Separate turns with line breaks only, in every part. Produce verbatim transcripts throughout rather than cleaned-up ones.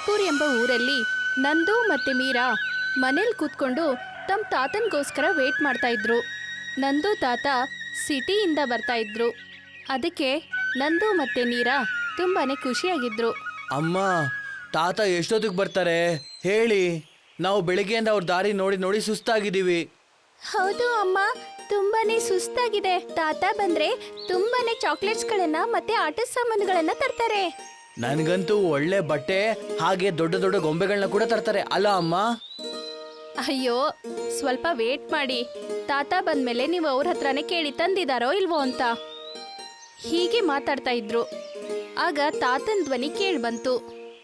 ನಾಗ್ಪುರ್ ಎಂಬ ಊರಲ್ಲಿ ನಂದು ಮತ್ತೆ ಮೀರಾ ಮನೇಲಿ ಕೂತ್ಕೊಂಡು ತಮ್ಮ ತಾತನಿಗೋಸ್ಕರ ವೇಟ್ ಮಾಡ್ತಾ ಇದ್ರು. ನಂದು ತಾತ ಸಿಟಿಯಿಂದ ಬರ್ತಾ ಇದ್ರು. ಅದಕ್ಕೆ ನಂದು ಮತ್ತೆ ಮೀರಾ ತುಂಬಾನೇ ಖುಷಿಯಾಗಿದ್ರು.
ಅಮ್ಮ, ತಾತ ಎಷ್ಟೊತ್ತಿಗೆ ಬರ್ತಾರೆ ಹೇಳಿ? ನಾವು ಬೆಳಿಗ್ಗೆಯಿಂದ ಅವ್ರ ದಾರಿ ನೋಡಿ ನೋಡಿ ಸುಸ್ತಾಗಿದ್ದೀವಿ.
ಹೌದು ಅಮ್ಮ, ತುಂಬಾನೇ ಸುಸ್ತಾಗಿದೆ. ತಾತ ಬಂದ್ರೆ ತುಂಬಾನೇ ಚಾಕ್ಲೇಟ್ಸ್ಗಳನ್ನ ಮತ್ತೆ ಆಟದ ಸಾಮಾನುಗಳನ್ನ ತರ್ತಾರೆ.
ನನ್ಗಂತೂ ಒಳ್ಳೆ ಬಟ್ಟೆ ಹಾಗೆ ದೊಡ್ಡ ದೊಡ್ಡ ಗೊಂಬೆಗಳನ್ನ ಕೂಡ ತರ್ತಾರೆ ಅಲ್ಲ ಅಮ್ಮ?
ಅಯ್ಯೋ, ಸ್ವಲ್ಪ ವೇಟ್ ಮಾಡಿ. ತಾತ ಬಂದ್ಮೇಲೆ ನೀವು ಅವ್ರ ಹತ್ರನೇ ಕೇಳಿ ತಂದಿದಾರೋ ಇಲ್ವೋ ಅಂತ. ಹೀಗೆ ಮಾತಾಡ್ತಾ ಇದ್ರು. ಆಗ ತಾತನ್ ಧ್ವನಿ ಕೇಳಿ ಬಂತು.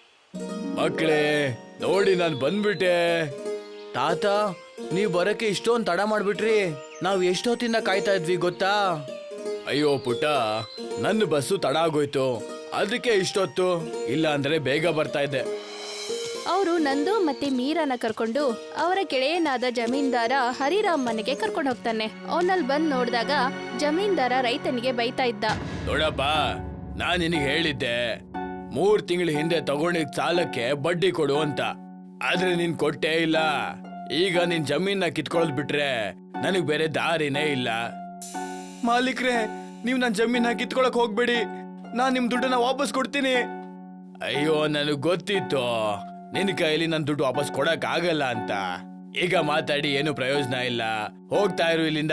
ಮಕ್ಕಳೇ ನೋಡಿ, ನಾನು ಬಂದ್ಬಿಟ್ಟೆ. ತಾತ, ನೀವ್ ಬರಕ್ಕೆ ಇಷ್ಟೊಂದು ತಡ ಮಾಡ್ಬಿಟ್ರಿ. ನಾವ್ ಎಷ್ಟೊತ್ತಿಂದ ಕಾಯ್ತಾ ಇದ್ವಿ ಗೊತ್ತಾ? ಅಯ್ಯೋ ಪುಟ್ಟ, ನನ್ನ ಬಸ್ಸು ತಡ ಆಗೋಯ್ತು, ಅದಕ್ಕೆ ಇಷ್ಟೊತ್ತು. ಇಲ್ಲ ಅಂದ್ರೆ ಬೇಗ ಬರ್ತಾ ಇದ್ದೆ.
ಅವರು ನಂದು ಮತ್ತೆ ಮೀರಾನ ಕರ್ಕೊಂಡು ಅವರ ಗೆಳೆಯನಾದ ಜಮೀನ್ದಾರ ಹರಿರಾಮ್ ಮನೆಗೆ ಕರ್ಕೊಂಡು ಹೋಗ್ತಾನೆ. ಅವನಲ್ಲಿ ಬಂದ್ ನೋಡಿದಾಗ ಜಮೀನ್ದಾರ ರೈತನಿಗೆ ಬೈತಾ ಇದ್ದ.
ನೋಡಪ್ಪ, ನಾನ್ ನಿನಗೆ ಹೇಳಿದ್ದೆ ಮೂರ್ ತಿಂಗಳ ಹಿಂದೆ ತಗೊಂಡಿದ್ ಸಾಲಕ್ಕೆ ಬಡ್ಡಿ ಕೊಡು ಅಂತ, ಆದ್ರೆ ನೀನ್ ಕೊಟ್ಟೇ ಇಲ್ಲ. ಈಗ ನಿನ್ ಜಮೀನ ಕಿತ್ಕೊಳ್ಳೋದ್ ಬಿಟ್ರೆ ನನಗ್ ಬೇರೆ ದಾರಿನೇ ಇಲ್ಲ. ಮಾಲೀಕ್ರೆ, ನೀವ್ ನನ್ ಜಮೀನ ಕಿತ್ಕೊಳಕ್ ಹೋಗ್ಬೇಡಿ, ನಾನ್ ನಿಮ್ ದುಡ್ಡನ್ನ ವಾಪಸ್ ಕೊಡ್ತೀನಿ. ಅಯ್ಯೋ, ನನಗ್ ಗೊತ್ತಿತ್ತು ನಿನ್ ಕೈಲಿ ನನ್ ದುಡ್ಡು ವಾಪಸ್ ಕೊಡಕ್ ಆಗಲ್ಲ ಅಂತ. ಈಗ ಮಾತಾಡಿ ಏನು ಪ್ರಯೋಜನ ಇಲ್ಲ, ಹೋಗ್ತಾ ಇರು ಇಲ್ಲಿಂದ.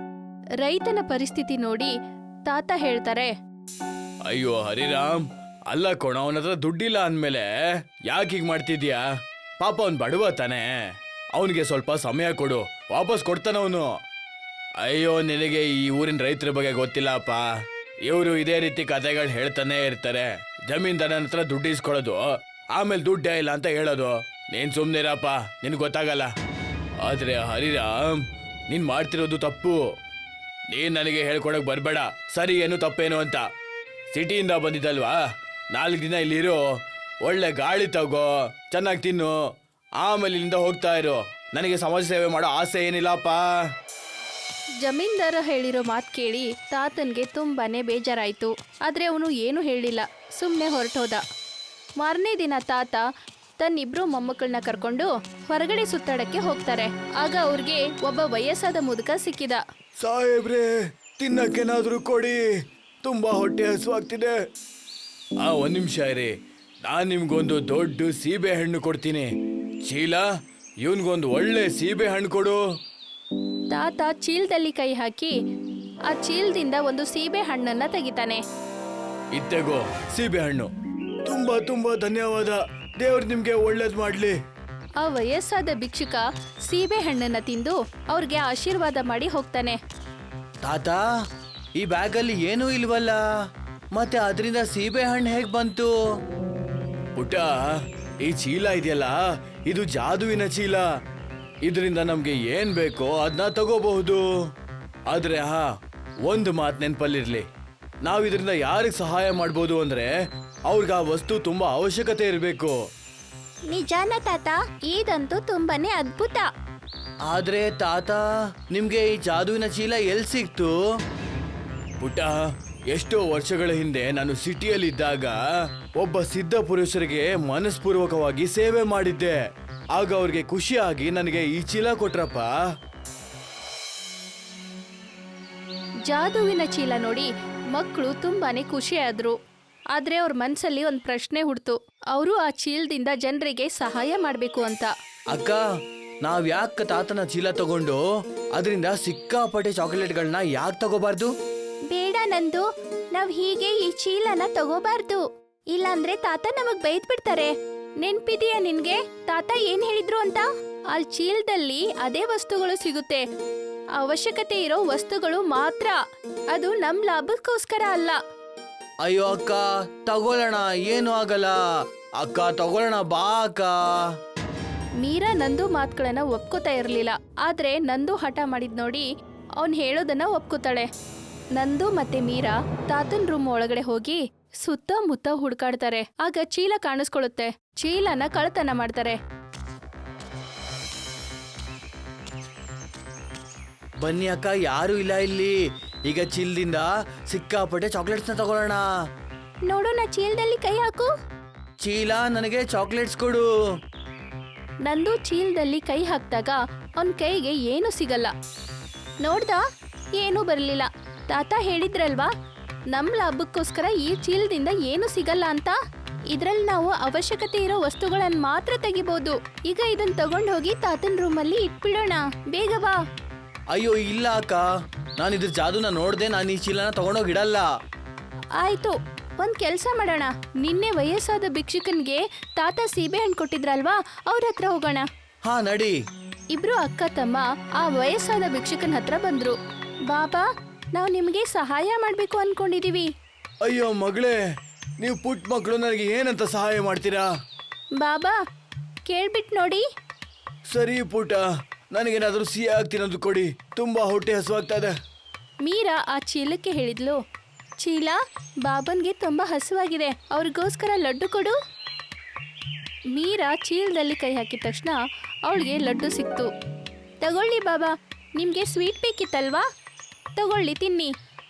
ರೈತನ ಪರಿಸ್ಥಿತಿ ನೋಡಿ ತಾತ ಹೇಳ್ತಾರೆ.
ಅಯ್ಯೋ ಹರಿರಾಮ್, ಅಲ್ಲ ಕೊಣ, ಅವನ ಹತ್ರ ದುಡ್ಡಿಲ್ಲ ಅಂದ್ಮೇಲೆ ಯಾಕೆ ಹೀಗ್ ಮಾಡ್ತಿದ್ಯಾ? ಪಾಪ ಅವ್ನ್ ಬಡವ ತಾನೆ, ಅವನಿಗೆ ಸ್ವಲ್ಪ ಸಮಯ ಕೊಡು, ವಾಪಸ್ ಕೊಡ್ತಾನ ಅವನು. ಅಯ್ಯೋ, ನಿನಗೆ ಈ ಊರಿನ ರೈತರ ಬಗ್ಗೆ ಗೊತ್ತಿಲ್ಲಪ್ಪ. ಇವರು ಇದೇ ರೀತಿ ಕಥೆಗಳು ಹೇಳ್ತಾನೆ ಇರ್ತಾರೆ. ಜಮೀನ್ದಾರನ ಹತ್ರ ದುಡ್ಡು ಇಸ್ಕೊಳ್ಳೋದು, ಆಮೇಲೆ ದುಡ್ಡೇ ಇಲ್ಲ ಅಂತ ಹೇಳೋದು. ನೀನ್ ಸುಮ್ನಿರಪ್ಪ, ನಿನ್ ಗೊತ್ತಾಗಲ್ಲ. ಆದ್ರೆ ಹರಿರಾಮ್, ನೀನ್ ಮಾಡ್ತಿರೋದು ತಪ್ಪು. ನೀನ್ ನನಗೆ ಹೇಳ್ಕೊಡಕ್ ಬರ್ಬೇಡ ಸರಿ ಏನು ತಪ್ಪೇನು ಅಂತ. ಸಿಟಿಯಿಂದ ಬಂದಿದ್ದಲ್ವಾ, ನಾಲ್ಕು ದಿನ ಇಲ್ಲಿರು, ಒಳ್ಳೆ ಗಾಳಿ ತಗೋ, ಚೆನ್ನಾಗಿ ತಿನ್ನು, ಆಮೇಲೆ ಇಲ್ಲಿಂದ ಹೋಗ್ತಾ ಇರು. ನನಗೆ ಸಮಾಜ ಸೇವೆ ಮಾಡೋ ಆಸೆ ಏನಿಲ್ಲಪ್ಪ.
ಜಮೀನ್ದಾರ ಹೇಳಿರೋ ಮಾತು ಕೇಳಿ ತಾತನ್ಗೆ ತುಂಬಾನೇ ಬೇಜಾರಾಯ್ತು. ಆದ್ರೆ ಅವನು ಏನು ಹೇಳಿಲ್ಲ, ಸುಮ್ಮನೆ ಹೊರಟೋದ. ಮಾರನೇ ದಿನ ತಾತ ತನ್ನಿಬ್ರು ಮೊಮ್ಮಕ್ಕಳನ್ನ ಕರ್ಕೊಂಡು ಹೊರಗಡೆ ಸುತ್ತಾಡಕ್ಕೆ ಹೋಗ್ತಾರೆ. ಆಗ ಅವ್ರಿಗೆ ಒಬ್ಬ ವಯಸ್ಸಾದ ಮುದುಕ ಸಿಕ್ಕಿದ.
ಸಾಹೇಬ್ರೆ, ತಿನ್ನಕ್ಕೇನಾದ್ರೂ ಕೊಡಿ, ತುಂಬಾ ಹೊಟ್ಟೆ ಹಸುವಾಗ್ತಿದೆ. ಆ ಒಂದ್ ನಿಮಿಷ ಇರಿ, ನಾನ್ ನಿಮ್ಗೊಂದು ದೊಡ್ಡ ಸೀಬೆ ಹಣ್ಣು ಕೊಡ್ತೀನಿ. ಚೀಲ, ಇವನ್ಗೊಂದು ಒಳ್ಳೆ ಸೀಬೆ ಹಣ್ಣು ಕೊಡು.
ತಾತ ಚೀಲದಲ್ಲಿ ಕೈ ಹಾಕಿ ಆ ಚೀಲದಿಂದ ಒಂದು ಸೀಬೆ ಹಣ್ಣನ್ನ ತೆಗಿತಾನೆ.
ಇತ್ತೆಗೋ ಸೀಬೆ ಹಣ್ಣು. ತುಂಬಾ ತುಂಬಾ ಧನ್ಯವಾದ, ದೇವ್ರು ನಿಮ್ಗೆ ಒಳ್ಳೇದ್ ಮಾಡ್ಲಿ.
ಆ ವಯಸ್ಸಾದ ಭಿಕ್ಷುಕ ಸೀಬೆ ಹಣ್ಣನ್ನ ತಿಂದು ಅವ್ರಿಗೆ ಆಶೀರ್ವಾದ ಮಾಡಿ ಹೋಗ್ತಾನೆ.
ತಾತ, ಈ ಬ್ಯಾಗಲ್ಲಿ ಏನೂ ಇಲ್ವಲ್ಲ, ಮತ್ತೆ ಅದರಿಂದ ಸೀಬೆ ಹಣ್ಣು ಹೇಗ್ ಬಂತು? ಪುಟ್ಟ, ಈ ಚೀಲ ಇದೆಯಲ್ಲ, ಇದು ಜಾದುವಿನ ಚೀಲ. ಇದರಿಂದ ನಮ್ಗೆ ಏನ್ ಬೇಕೋ ಅದನ್ನ ತಗೋಬಹುದು. ಆದ್ರೆ ಹಾ, ಒಂದು ಮಾತು ನೆನ್ಪಲ್ಲಿರ್ಲಿ, ನಾವ್ ಇದರಿಂದ ಯಾರಿಗೆ ಸಹಾಯ ಮಾಡ್ಬೋದು ಅಂದ್ರೆ ಅವ್ರಿಗೆ ಆ ವಸ್ತು ತುಂಬಾ ಅವಶ್ಯಕತೆ ಇರಬೇಕು.
ನಿಜಾನ ತಾತ, ಇದಂತೂ ತುಂಬಾನೇ ಅದ್ಭುತ.
ಆದ್ರೆ ತಾತ, ನಿಮ್ಗೆ ಈ ಜಾದುವಿನ ಚೀಲ ಎಲ್ ಸಿಕ್ತು? ಪುಟ್ಟ, ಎಷ್ಟೋ ವರ್ಷಗಳ ಹಿಂದೆ ನಾನು ಸಿಟಿಯಲ್ಲಿದ್ದಾಗ ಒಬ್ಬ ಸಿದ್ಧ ಪುರುಷರಿಗೆ ಮನಸ್ಪೂರ್ವಕವಾಗಿ ಸೇವೆ ಮಾಡಿದ್ದೆ. ಆಗ ಅವ್ರಿಗೆ ಖುಷಿಯಾಗಿ ನನಗೆ ಈ ಚೀಲ ಕೊಟ್ರಪ್ಪ.
ಜಾದುವಿನ ಚೀಲ ನೋಡಿ ಮಕ್ಕಳು ತುಂಬಾನೇ ಖುಷಿಯಾದ್ರು. ಆದ್ರೆ ಅವ್ರ ಮನ್ಸಲ್ಲಿ ಒಂದ್ ಪ್ರಶ್ನೆ ಹುಡ್ತು. ಅವರು ಆ ಚೀಲದಿಂದ ಜನರಿಗೆ ಸಹಾಯ ಮಾಡ್ಬೇಕು ಅಂತ.
ಅಕ್ಕ, ನಾವ್ ಯಾಕೆ ತಾತನ ಚೀಲ ತಗೊಂಡು ಅದರಿಂದ ಸಿಕ್ಕಾಪಟ್ಟೆ ಚಾಕೊಲೇಟ್ಗಳನ್ನ ಯಾಕೆ ತಗೋಬಾರ್ದು?
ಬೇಡ ನಂದು, ನಾವ್ ಹೀಗೆ ಈ ಚೀಲನ ತಗೋಬಾರ್ದು. ಇಲ್ಲಾಂದ್ರೆ ತಾತ ನಮಗ್ ಬೈದ್ ಬಿಡ್ತಾರೆ. ನೆನ್ಪಿದೀಯ ನಿನ್ಗೆ ತಾತ ಏನ್ ಹೇಳಿದ್ರು ಅಂತ? ಆ ಚೀಲದಲ್ಲಿ ಅದೇ ವಸ್ತುಗಳು ಸಿಗುತ್ತೆ, ಅವಶ್ಯಕತೆ ಇರೋ ವಸ್ತುಗಳು ಮಾತ್ರ. ಅದು ನಮ್ ಲಾಭಕ್ಕೋಸ್ಕರ ಅಲ್ಲ.
ಅಯ್ಯೋ ಅಕ್ಕ, ತಗೊಳ್ಳೋಣ, ಏನು ಆಗಲ್ಲ. ಅಕ್ಕ ತಗೊಳ್ಳೋಣ, ಬಾ ಅಕ್ಕ.
ಮೀರಾ ನಂದು ಮಾತುಗಳನ್ನ ಒಪ್ಕೋತಾ ಇರ್ಲಿಲ್ಲ. ಆದ್ರೆ ನಂದು ಹಠ ಮಾಡಿದ್ ನೋಡಿ ಅವ್ನ್ ಹೇಳೋದನ್ನ ಒಪ್ಕೋತಾಳೆ. ನಂದು ಮತ್ತೆ ಮೀರಾ ತಾತನ್ ರೂಮ್ ಒಳಗಡೆ ಹೋಗಿ ಸುತ್ತಮುತ್ತ ಹುಡ್ಕಾಡ್ತಾರೆ. ಆಗ ಚೀಲ ಕಾಣಿಸ್ಕೊಳ್ಳುತ್ತೆ. ಚೀಲನ ಕಳ್ತನ ಮಾಡ್ತಾರೆ.
ಬನ್ನಿ ಅಕ್ಕ, ಯಾರು ಇಲ್ಲ ಇಲ್ಲಿ. ಈಗ ಚೀಲದಿಂದ ಸಿಕ್ಕಾಪಟ್ಟೆ ಚಾಕ್ಲೇಟ್ಸ್ನ ತಗೊಳ್ಳೋಣ.
ನೋಡು, ನಾ ಚೀಲದಲ್ಲಿ ಕೈ ಹಾಕು.
ಚೀಲ ನನಗೆ ಚಾಕ್ಲೇಟ್ಸ್ ಕೊಡು.
ನಂದು ಚೀಲದಲ್ಲಿ ಕೈ ಹಾಕ್ದಾಗ ಅವನ್ ಕೈಗೆ ಏನು ಸಿಗಲ್ಲ. ನೋಡ್ದ, ಏನೂ ಬರಲಿಲ್ಲ. ತಾತ ಹೇಳಿದ್ರಲ್ವಾ, ನಮ್ ಲಾಭಕ್ಕೋಸ್ಕರ ಈ ಚೀಲದಿಂದ ಏನು ಸಿಗಲ್ಲ ಅಂತ. ಇದ್ರಲ್ಲಿ ನಾವು ಅವಶ್ಯಕತೆ ಇರೋ ವಸ್ತುಗಳನ್ನ ಮಾತ್ರ ತೆಗಿಬಹುದು. ಈಗ ಇದನ್ನ ತಗೊಂಡ್ ಹೋಗಿ ತಾತನ್ ರೂಮಲ್ಲಿ ಇಟ್ಬಿಡೋಣ. ಬೇಗ ಬಾ.
ಅಯ್ಯೋ ಇಲ್ಲ ಅಕ್ಕ, ನಾನು ಇದ್ರ ಜಾದೂನ ನೋಡ್ದೆ. ನಾನು ಈ ಚೀಲನ ತಗೊಂಡೋಗಿಡಲ್ಲ.
ಆಯ್ತು, ಒಂದ್ ಕೆಲ್ಸ ಮಾಡೋಣ. ನಿನ್ನೆ ವಯಸ್ಸಾದ ಭಿಕ್ಷುಕನ್ಗೆ ತಾತ ಸೀಬೆ ಹಣ್ಣು ಕೊಟ್ಟಿದ್ರಲ್ವಾ, ಅವ್ರ ಹತ್ರ ಹೋಗೋಣ.
ಹಾ ನಡಿ.
ಇಬ್ರು ಅಕ್ಕ ತಮ್ಮ ಆ ವಯಸ್ಸಾದ ಭಿಕ್ಷುಕನ ಹತ್ರ ಬಂದ್ರು. ಬಾಬಾ, ನಾವು ನಿಮಗೆ ಸಹಾಯ ಮಾಡ್ಬೇಕು ಅನ್ಕೊಂಡಿದೀವಿ.
ಅಯ್ಯೋ ಮಗಳೇ, ನೀವು ಪುಟ್ಟ ಮಕ್ಕಳು, ನನಗೆ ಏನಂತ ಸಹಾಯ ಮಾಡ್ತೀರಾ?
ಬಾಬಾ, ಕೇಳ್ಬಿಟ್ ನೋಡಿ.
ಸರಿ ಪುಟ, ನನಗೇನಾದ್ರೂ ಸಿಹಿಯಾಗಿ ತಿನ್ನೋದು ಕೊಡಿ. ತುಂಬಾ ಹೊಟ್ಟೆ ಹಸುವಾಗ್ತಾ ಇದೆ.
ಮೀರಾ ಆ ಚೀಲಕ್ಕೆ ಹೇಳಿದ್ಲು, ಚೀಲ, ಬಾಬನ್ಗೆ ತುಂಬಾ ಹಸುವಾಗಿದೆ, ಅವ್ರಿಗೋಸ್ಕರ ಲಡ್ಡು ಕೊಡು. ಮೀರಾ ಚೀಲದಲ್ಲಿ ಕೈ ಹಾಕಿದ ತಕ್ಷಣ ಅವಳಿಗೆ ಲಡ್ಡು ಸಿಕ್ತು. ತಗೊಳ್ಳಿ ಬಾಬಾ, ನಿಮ್ಗೆ ಸ್ವೀಟ್ ಬೇಕಿತ್ತಲ್ವಾ? ತಗೊಳ್ಳಿ, ತಿನ್ನಿ.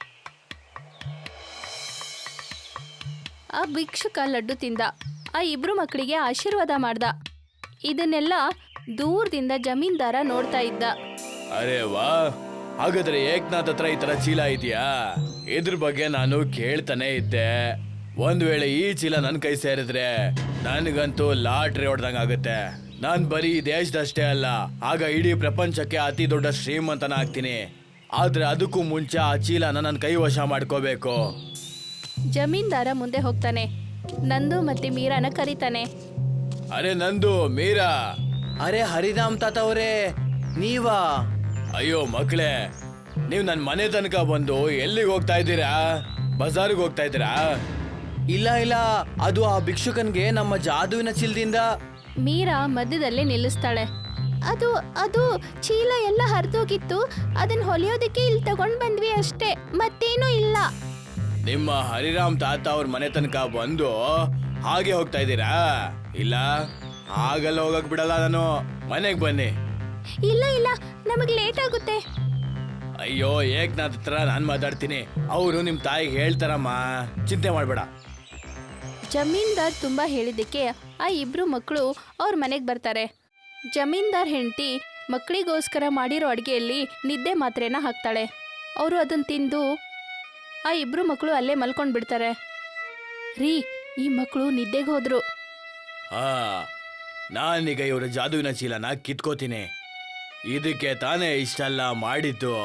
ಆ ಭಿಕ್ಷುಕ ಲಡ್ಡು ತಿಂದ. ಆ ಇಬ್ರು ಮಕ್ಕಳಿಗೆ ಆಶೀರ್ವಾದ ಮಾಡ್ದ. ಇದನ್ನೆಲ್ಲ ದೂರದಿಂದ ಜಮೀನ್ದಾರ ನೋಡ್ತಾ ಇದ್ದ.
ಅರೆ ವಾ, ಹಾಗಾದ್ರೆ ಏಕ್ನಾಥ್ ಹತ್ರ ಈ ತರ ಚೀಲ ಇದೆಯಾ? ಇದ್ರ ಬಗ್ಗೆ ನಾನು ಕೇಳ್ತಾನೆ ಇದ್ದೆ. ಒಂದ್ ವೇಳೆ ಈ ಚೀಲ ನನ್ ಕೈ ಸೇರಿದ್ರೆ ನನ್ಗಂತೂ ಲಾಟ್ರಿ ಹೊಡ್ದಂಗ ಆಗುತ್ತೆ. ನಾನ್ ಬರೀ ಈ ದೇಶದಷ್ಟೇ ಅಲ್ಲ, ಆಗ ಇಡೀ ಪ್ರಪಂಚಕ್ಕೆ ಅತಿ ದೊಡ್ಡ ಶ್ರೀಮಂತನ ಆಗ್ತೀನಿ. ಆದ್ರೆ ಅದಕ್ಕೂ ಮುಂಚೆ ಆ ಚೀಲನ ನನ್ನ ಕೈ ವಶ ಮಾಡ್ಕೋಬೇಕು.
ಜಮೀನ್ದಾರ ಮುಂದೆ ಹೋಗ್ತಾನೆ. ನಂದು ಮತ್ತೆ ಮೀರಾನ ಕರೀತಾನೆ.
ಅರೆ ನಂದು, ಮೀರಾ. ಅರೆ ಹರಿರಾಮ್ ತಾತ ಅವರೇ, ನೀವಾ? ಅಯ್ಯೋ ಮಕ್ಕಳೇ, ನೀವು ನನ್ನ ಮನೆ ತನಕ ಬಂದು ಎಲ್ಲಿಗೆ ಹೋಗ್ತಾ ಇದ್ದೀರಾ? ಬಜಾರ್ಗೆ ಹೋಗ್ತಾ ಇದ್ದೀರಾ? ಇಲ್ಲ ಇಲ್ಲ, ಅದು ಆ ಭಿಕ್ಷುಕನ್ಗೆ ನಮ್ಮ ಜಾದುವಿನ ಚೀಲದಿಂದ.
ಮೀರಾ ಮಧ್ಯದಲ್ಲೇ ನಿಲ್ಲಿಸ್ತಾಳೆ. ಅದು ಅದು ಚೀಲ ಎಲ್ಲ ಹರಿದೋಗಿತ್ತು, ಅದನ್ನ ಹೊಲಿಯೋದಕ್ಕೆ ಇಲ್ಲಿ ತಗೊಂಡ್ ಬಂದ್ವಿ ಅಷ್ಟೇ, ಮತ್ತೇನೂ ಇಲ್ಲ.
ನಿಮ್ಮ ಹರಿರಾಮ್ ತಾತ ಅವ್ರ ಮನೆ ತನಕ ಬಂದು ಹಾಗೆ ಹೋಗ್ತಾ ಇದ್ದೀರಾ? ಇಲ್ಲ, ಹಾಗೆಲ್ಲ ಹೋಗಕ್ ಬಿಡಲ್ಲ ನಾನು. ಮನೆಗೆ ಬನ್ನಿ.
ಇಲ್ಲ ಇಲ್ಲ, ನಮಗ್ ಲೇಟ್ ಆಗುತ್ತೆ.
ಅಯ್ಯೋ, ಏಕ್ನಾಥ್ ಹತ್ರ ನಾನು ಮಾತಾಡ್ತೀನಿ, ಅವರು ನಿಮ್ ತಾಯಿಗೆ ಹೇಳ್ತಾರಮ್ಮ, ಚಿಂತೆ ಮಾಡ್ಬೇಡ.
ಜಮೀನ್ದಾರ್ ತುಂಬಾ ಹೇಳಿದ್ದಕ್ಕೆ ಆ ಇಬ್ರು ಮಕ್ಕಳು ಅವ್ರ ಮನೆಗೆ ಬರ್ತಾರೆ. ಜಮೀನ್ದಾರ್ ಹೆಂಡತಿ ಮಕ್ಕಳಿಗೋಸ್ಕರ ಮಾಡಿರೋ ಅಡುಗೆಯಲ್ಲಿ ನಿದ್ದೆ ಮಾತ್ರೆನ ಹಾಕ್ತಾಳೆ. ಅವರು ಅದನ್ನ ತಿಂದು ಆ ಇಬ್ರು ಮಕ್ಕಳು ಅಲ್ಲೇ ಮಲ್ಕೊಂಡ್ ಬಿಡ್ತಾರೆ. ರೀ, ಈ ಮಕ್ಕಳು ನಿದ್ದೆಗೆ ಹೋದ್ರು.
ಹಾ, ನಾನೀಗ ಇವರ ಜಾದುವಿನ ಚೀಲನ ಕಿತ್ಕೋತೀನಿ. ಇದಕ್ಕೆ ತಾನೇ ಇಷ್ಟೆಲ್ಲ ಮಾಡಿದ್ದು.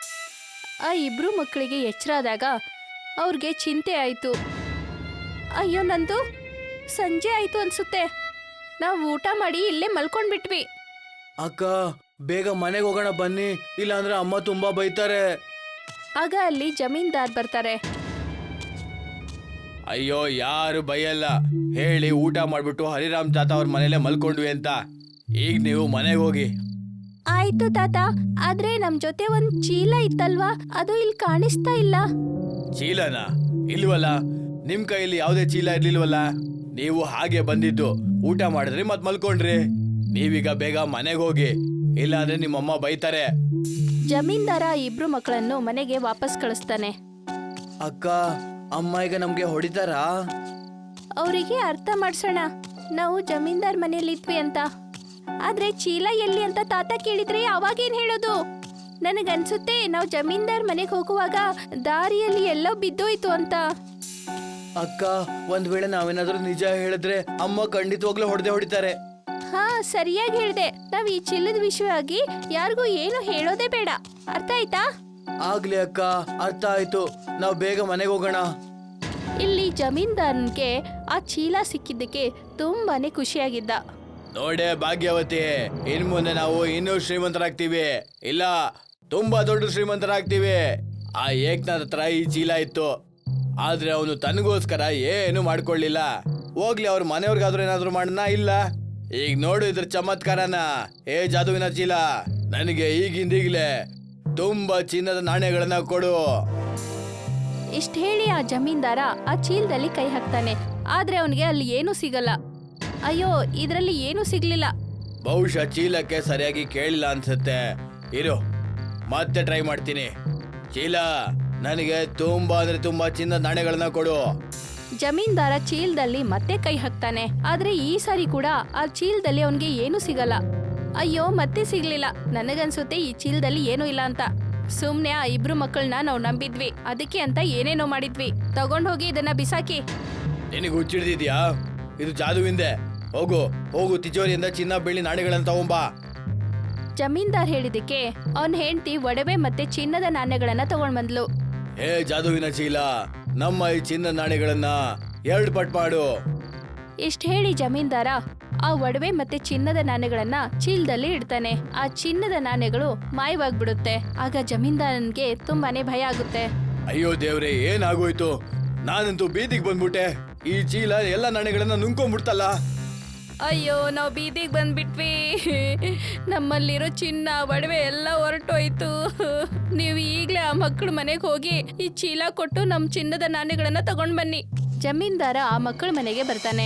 ಆ ಇಬ್ರು ಮಕ್ಕಳಿಗೆ ಎಚ್ಚರ ಆದಾಗ ಅವ್ರಿಗೆ ಚಿಂತೆ ಆಯ್ತು. ಅಯ್ಯೋ ನಂದು, ಸಂಜೆ ಆಯ್ತು ಅನ್ಸುತ್ತೆ, ನಾವು ಊಟ ಮಾಡಿ ಇಲ್ಲೇ ಮಲ್ಕೊಂಡ್ಬಿಟ್ವಿ.
ಅಕ್ಕ, ಬೇಗ ಮನೆಗೆ ಹೋಗೋಣ ಬನ್ನಿ, ಇಲ್ಲಾಂದ್ರೆ ಅಮ್ಮ ತುಂಬಾ ಬೈತಾರೆ.
ಆಗ ಅಲ್ಲಿ ಜಮೀನ್ದಾರ್ ಬರ್ತಾರೆ.
ಅಯ್ಯೋ, ಯಾರು ಬೈಯಲ್ಲ, ಹೇಳಿ ಊಟ ಮಾಡ್ಬಿಟ್ಟು ಹರಿರಾಮ್ ತಾತ ಅವ್ರ ಮನೇಲೆ ಮಲ್ಕೊಂಡ್ವಿ ಅಂತ. ಈಗ ನೀವು ಮನೆಗೆ ಹೋಗಿ.
ಆಯ್ತು ತಾತ, ಆದ್ರೆ ನಮ್ ಜೊತೆ ಒಂದ್ ಚೀಲ ಇತ್ತಲ್ವಾ, ಅದು ಇಲ್ಲಿ ಕಾಣಿಸ್ತಾ ಇಲ್ಲ.
ಚೀಲನ? ಇಲ್ವಲ್ಲ, ನಿಮ್ ಕೈಯಲ್ಲಿ ಯಾವುದೇ ಚೀಲ ಇರ್ಲಿಲ್ವಲ್ಲ. ನೀವು ಹಾಗೆ ಬಂದಿದ್ದು, ಊಟ ಮಾಡಿದ್ರಿ ಮತ್ ಮಲ್ಕೊಂಡ್ರಿ. ನೀವೀಗ ಬೇಗ ಮನೆಗೆ ಹೋಗಿ, ಇಲ್ಲಾಂದ್ರೆ ನಿಮ್ಮಮ್ಮ ಬೈತಾರೆ.
ಜಮೀನ್ದಾರ ಇಬ್ರು ಮಕ್ಕಳನ್ನು ಮನೆಗೆ ವಾಪಸ್ ಕಳಿಸ್ತಾನೆ.
ಅಕ್ಕ, ಅಮ್ಮ ಈಗ ನಮ್ಗೆ ಹೊಡಿತಾರಾ?
ಅವರಿಗೆ ಅರ್ಥ ಮಾಡ್ಸೋಣ, ನಾವು ಜಮೀನ್ದಾರ್ ಮನೆಯಲ್ಲಿದ್ವಿ ಅಂತ. ಆದ್ರೆ ಚೀಲ ಎಲ್ಲಿ ಅಂತ ತಾತ ಕೇಳಿದ್ರೆ ಅವಾಗೇನ್ ಹೇಳೋದು? ನನಗನ್ಸುತ್ತೆ ನಾವು ಜಮೀನ್ದಾರ್ ಮನೆಗೆ ಹೋಗುವಾಗ ದಾರಿಯಲ್ಲಿ ಎಲ್ಲೋ ಬಿದ್ದೋಯ್ತು ಅಂತ.
ಅಕ್ಕ, ಒಂದ್ ವೇಳೆ ನಾವೇನಾದ್ರೂ ನಿಜ ಹೇಳಿದ್ರೆ ಅಮ್ಮ ಖಂಡಿತವಾಗ್ಲೂ ಹೊಡೆದೇ ಹೊಡಿತಾರೆ.
ಹಾ, ಸರಿಯಾಗಿ ಹೇಳ್ದೆ. ನಾವ್ ಈ ಚೀಲದ ವಿಷಯವಾಗಿ ಯಾರಿಗೂ ಏನು ಹೇಳೋದೇ ಬೇಡ, ಅರ್ಥ ಆಯ್ತಾ?
ಆಗ್ಲಿ ಅಕ್ಕ, ಅರ್ಥ ಆಯ್ತು. ನಾವ್ ಬೇಗ ಮನೆಗೆ ಹೋಗೋಣ.
ಇಲ್ಲಿ ಜಮೀನ್ದಾರನ್ಗೆ ಆ ಚೀಲ ಸಿಕ್ಕಿದ್ದಕ್ಕೆ ತುಂಬಾನೇ ಖುಷಿಯಾಗಿದ್ದ.
ನೋಡೆ ಭಾಗ್ಯವತಿ, ಇನ್ ಮುಂದೆ ನಾವು ಇನ್ನೂ ಶ್ರೀಮಂತರಾಗ್ತೀವಿ. ಇಲ್ಲ, ತುಂಬಾ ದೊಡ್ಡ ಶ್ರೀಮಂತರಾಗ್ತೀವಿ. ಆ ಏಕ್ನಾಥ್ ಹತ್ರ ಈ ಚೀಲ ಇತ್ತು, ಆದ್ರೆ ಅವನು ತನಗೋಸ್ಕರ ಏನು ಮಾಡ್ಕೊಳ್ಳಿಲ್ಲ. ಹೋಗ್ಲಿ, ಅವ್ರ ಮನೆಯವ್ರಿಗಾದ್ರೂ ಏನಾದ್ರು ಮಾಡನ? ಇಲ್ಲ. ಈಗ ನೋಡು ಇದ್ರ ಚಮತ್ಕಾರನ. ಏ ಜಾದುವಿನ ಚೀಲ, ನನಗೆ ಈಗಿಂದೀಗ್ಲೇ ತುಂಬಾ ಚಿನ್ನದ ನಾಣ್ಯಗಳನ್ನ ಕೊಡು.
ಇಷ್ಟ ಹೇಳಿ ಆ ಜಮೀನ್ದಾರ ಆ ಚೀಲದಲ್ಲಿ ಕೈ ಹಾಕ್ತಾನೆ. ಆದ್ರೆ ಅವನಿಗೆ ಅಲ್ಲಿ ಏನೂ ಸಿಗಲ್ಲ. ಅಯ್ಯೋ, ಇದ್ರಲ್ಲಿ ಏನೂ ಸಿಗ್ಲಿಲ್ಲ.
ಬಹುಶಃ ಚೀಲಕ್ಕೆ ಸರಿಯಾಗಿ ಕೇಳಿಲ್ಲ ಅನ್ಸುತ್ತೆ. ಇರು, ಮತ್ತೆ ಟ್ರೈ ಮಾಡ್ತೀನಿ. ಚೀಲ, ನನಗೆ ತುಂಬಾ ಅಂದ್ರೆ ತುಂಬಾ ಚಿನ್ನದ ನಾಣ್ಯಗಳನ್ನ ಕೊಡು.
ಜಮೀನ್ದಾರ ಚೀಲದಲ್ಲಿ ಮತ್ತೆ ಕೈ ಹಾಕ್ತಾನೆ. ಆದ್ರೆ ಈ ಸಾರಿ ಕೂಡ ಆ ಚೀಲದಲ್ಲಿ ಅವನ್ಗೆ ಏನು ಸಿಗಲ್ಲ. ಅಯ್ಯೋ, ಮತ್ತೆ ಸಿಗ್ಲಿಲ್ಲ. ನನಗನ್ಸುತ್ತೆ ಈ ಚೀಲದಲ್ಲಿ ಏನೂ ಇಲ್ಲ ಅಂತ. ಸುಮ್ನೆ ಆ ಇಬ್ರು ಮಕ್ಕಳನ್ನ ನಾವು ನಂಬಿದ್ವಿ, ಅದಕ್ಕೆ ಅಂತ ಏನೇನೋ ಮಾಡಿದ್ವಿ. ತಗೊಂಡ್ ಹೋಗಿ ಇದನ್ನ ಬಿಸಾಕಿ.
ನಿನಗೆ ಹುಚ್ಚಿಡ್ದಿದ್ಯಾ? ಇದು ಜಾದುವಿಂದೆ. ಹೋಗು ಹೋಗು, ತಿಜೋರಿಯಿಂದ ಚಿನ್ನ ಬೆಳ್ಳಿ ನಾಣ್ಯಗಳನ್ನ ತಗೊಂಬಾ.
ಜಮೀನ್ದಾರ್ ಹೇಳಿದಕ್ಕೆ ಅವನ್ ಹೆಂಡತಿ ಒಡವೆ ಮತ್ತೆ ಚಿನ್ನದ ನಾಣ್ಯಗಳನ್ನ ತಗೊಂಡ್ ಬಂದ್ಲು.
ಹೇ ಜಾದುವಿನ ಚೀಲ, ನಮ್ಮ ಈ ಚಿನ್ನ ನಾಣ್ಯಗಳನ್ನ ಎರಡು ಪಟ್ ಮಾಡು.
ಇಷ್ಟ ಹೇಳಿ ಜಮೀನ್ದಾರ ಆ ಒಡವೆ ಮತ್ತೆ ಚಿನ್ನದ ನಾಣ್ಯಗಳನ್ನ ಚೀಲದಲ್ಲಿ ಇಡ್ತಾನೆ. ಆ ಚಿನ್ನದ ನಾಣ್ಯಗಳು ಮಾಯವಾಗ್ಬಿಡುತ್ತೆ. ಆಗ ಜಮೀನ್ದಾರನ್ಗೆ ತುಂಬಾನೇ ಭಯ ಆಗುತ್ತೆ.
ಅಯ್ಯೋ ದೇವ್ರೆ, ಏನಾಗೋಯ್ತು? ನಾನಂತೂ ಬೀದಿಗೆ ಬಂದ್ಬಿಟ್ಟೆ. ಈ ಚೀಲ ಎಲ್ಲ ನಾಣ್ಯಗಳನ್ನ ನುಂಗ್ಕೊಂಡ್ಬಿಡ್ತಲ್ಲ.
ಅಯ್ಯೋ, ನಾವು ಬೀದಿಗೆ ಬಂದ್ಬಿಟ್ವಿ. ನಮ್ಮಲ್ಲಿರೋ ಚಿನ್ನ ಒಡವೆ ಎಲ್ಲ ಹೊರಟೋಯ್ತು. ನೀವು ಈಗ್ಲೇ ಆ ಮಕ್ಕಳ ಮನೆಗೆ ಹೋಗಿ ಈ ಚೀಲ ಕೊಟ್ಟು ನಮ್ ಚಿನ್ನದ ನಾಣ್ಯಗಳನ್ನ ತಗೊಂಡ್ ಬನ್ನಿ. ಜಮೀನ್ದಾರ ಆ ಮಕ್ಕಳ ಮನೆಗೆ ಬರ್ತಾನೆ.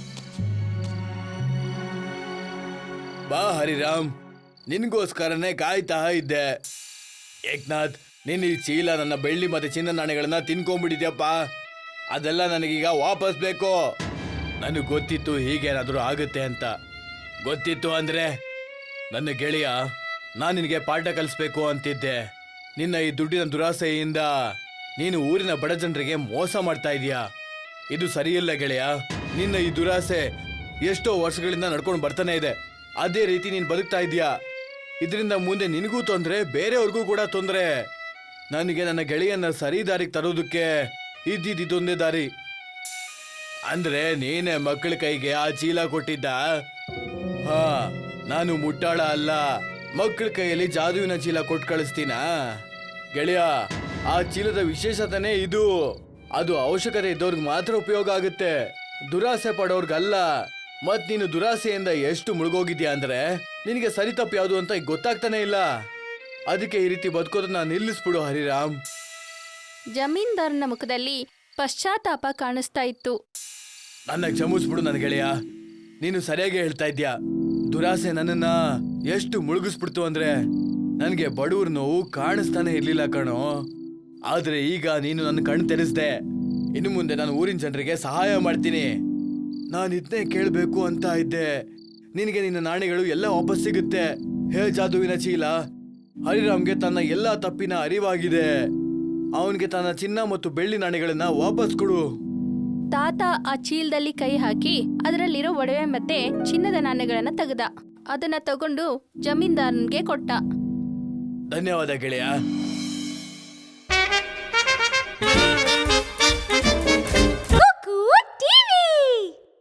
ಬಾ ಹರಿರಾಮ್, ನಿನ್ಗೋಸ್ಕರನೇ ಕಾಯ್ತಾ ಇದ್ದೆ. ಏಕ್ನಾಥ್, ನೀನ್ ಈ ಚೀಲ ನನ್ನ ಬೆಳ್ಳಿ ಮತ್ತೆ ಚಿನ್ನ ನಾಣ್ಯಗಳನ್ನ ತಿನ್ಕೊಂಡ್ಬಿಟ್ಟಿದ್ಯಪ್ಪ. ಅದೆಲ್ಲ ನನಗೀಗ ವಾಪಸ್ ಬೇಕು. ನನಗೆ ಗೊತ್ತಿತ್ತು ಹೀಗೇನಾದ್ರೂ ಆಗುತ್ತೆ ಅಂತ. ಗೊತ್ತಿತ್ತು ಅಂದ್ರೆ ನನ್ನ ಗೆಳೆಯ, ನಾನು ನಿನಗೆ ಪಾಠ ಕಲಿಸ್ಬೇಕು ಅಂತಿದ್ದೆ. ನಿನ್ನ ಈ ದುಡ್ಡಿನ ದುರಾಸೆಯಿಂದ ನೀನು ಊರಿನ ಬಡ ಜನರಿಗೆ ಮೋಸ ಮಾಡ್ತಾ ಇದೀಯಾ. ಇದು ಸರಿಯಿಲ್ಲ ಗೆಳೆಯ. ನಿನ್ನ ಈ ದುರಾಸೆ ಎಷ್ಟೋ ವರ್ಷಗಳಿಂದ ನಡ್ಕೊಂಡು ಬರ್ತಾನೆ ಇದೆ. ಅದೇ ರೀತಿ ನೀನು ಬದುಕ್ತಾ ಇದೀಯಾ. ಇದರಿಂದ ಮುಂದೆ ನಿನಗೂ ತೊಂದರೆ, ಬೇರೆಯವ್ರಿಗೂ ಕೂಡ ತೊಂದರೆ. ನನಗೆ ನನ್ನ ಗೆಳೆಯನ್ನ ಸರಿ ದಾರಿಗೆ ತರೋದಕ್ಕೆ ಇದ್ದಿದ್ದೊಂದೇ ದಾರಿ. ಅಂದ್ರೆ ನೀನೇ ಮಕ್ಕಳ ಕೈಗೆ ಆ ಚೀಲ ಕೊಟ್ಟಿದ್ದ? ಹಾ, ನಾನು ಮುಟ್ಟಾಳ ಅಲ್ಲ. ಮಕ್ಕಳ ಕೈಯಲ್ಲಿ ಜಾದುವಿನ ಚೀಲ ಕೊಟ್ಟು ಕಳಿಸ್ತೀನ ಗೆಳೆಯ? ಆ ಚೀಲದ ವಿಶೇಷತೆನೇ ಇದು. ಅದು ಅವಶ್ಯಕತೆ ಇದ್ದವ್ರಿಗೆ ಮಾತ್ರ ಉಪಯೋಗ ಆಗುತ್ತೆ, ದುರಾಸೆ ಪಡೋರ್ಗಲ್ಲ. ಮತ್ ನೀನು ದುರಾಸೆಯಿಂದ ಎಷ್ಟು ಮುಳುಗೋಗಿದ್ಯಾ ಅಂದ್ರೆ ನಿನಗೆ ಸರಿ ತಪ್ಪು ಯಾವುದು ಅಂತ ಈಗ ಗೊತ್ತಾಗ್ತಾನೆ ಇಲ್ಲ. ಅದಕ್ಕೆ ಈ ರೀತಿ ಬದುಕೋದನ್ನ ನಿಲ್ಲಿಸ್ಬಿಡು ಹರಿರಾಮ್.
ಜಮೀನ್ದಾರನ ಮುಖದಲ್ಲಿ ಪಶ್ಚಾತ್ತಾಪ ಕಾಣಿಸ್ತಾ ಇತ್ತು.
ನನ್ನ ಕ್ಷಮಿಸ್ಬಿಡು ನನ್ನ ಗೆಳೆಯ, ನೀನು ಸರಿಯಾಗಿ ಹೇಳ್ತಾ ಇದ್ಯಾ. ದುರಾಸೆ ನನ್ನನ್ನ ಎಷ್ಟು ಮುಳುಗಿಸ್ಬಿಡ್ತು ಅಂದ್ರೆ ನನಗೆ ಬಡವ್ರ ನೋವು ಕಾಣಿಸ್ತಾನೆ ಇರ್ಲಿಲ್ಲ ಕಣೋ. ಆದ್ರೆ ಈಗ ನೀನು ನನ್ನ ಕಣ್ಣು ತೆರೆಸ್ದೆ. ಇನ್ನು ಮುಂದೆ ನಾನು ಊರಿನ ಜನರಿಗೆ ಸಹಾಯ ಮಾಡ್ತೀನಿ. ನಾನು ಇದನ್ನೇ ಕೇಳಬೇಕು ಅಂತ ಇದ್ದೆ. ನಿನಗೆ ನಿನ್ನ ನಾಣ್ಯಗಳು ಎಲ್ಲ ವಾಪಸ್ ಸಿಗುತ್ತೆ. ಹೇ ಜಾದುವಿನ ಚೀಲ, ಹರಿರಾಮ್ಗೆ ತನ್ನ ಎಲ್ಲಾ ತಪ್ಪಿನ ಅರಿವಾಗಿದೆ. ಅವನಿಗೆ ತನ್ನ ಚಿನ್ನ ಮತ್ತು ಬೆಳ್ಳಿ ನಾಣ್ಯಗಳನ್ನ ವಾಪಸ್ ಕೊಡು.
ತಾತ ಆ ಚೀಲದಲ್ಲಿ ಕೈ ಹಾಕಿ ಅದರಲ್ಲಿರೋ ಒಡವೆ ಮತ್ತೆ ಚಿನ್ನದ ನಾಣ್ಯಗಳನ್ನ ತೆಗೆದ. ಅದನ್ನ ತಗೊಂಡು ಜಮೀನ್ದಾರನ್ಗೆ ಕೊಟ್ಟ.
ಧನ್ಯವಾದ ಗೆಳೆಯ.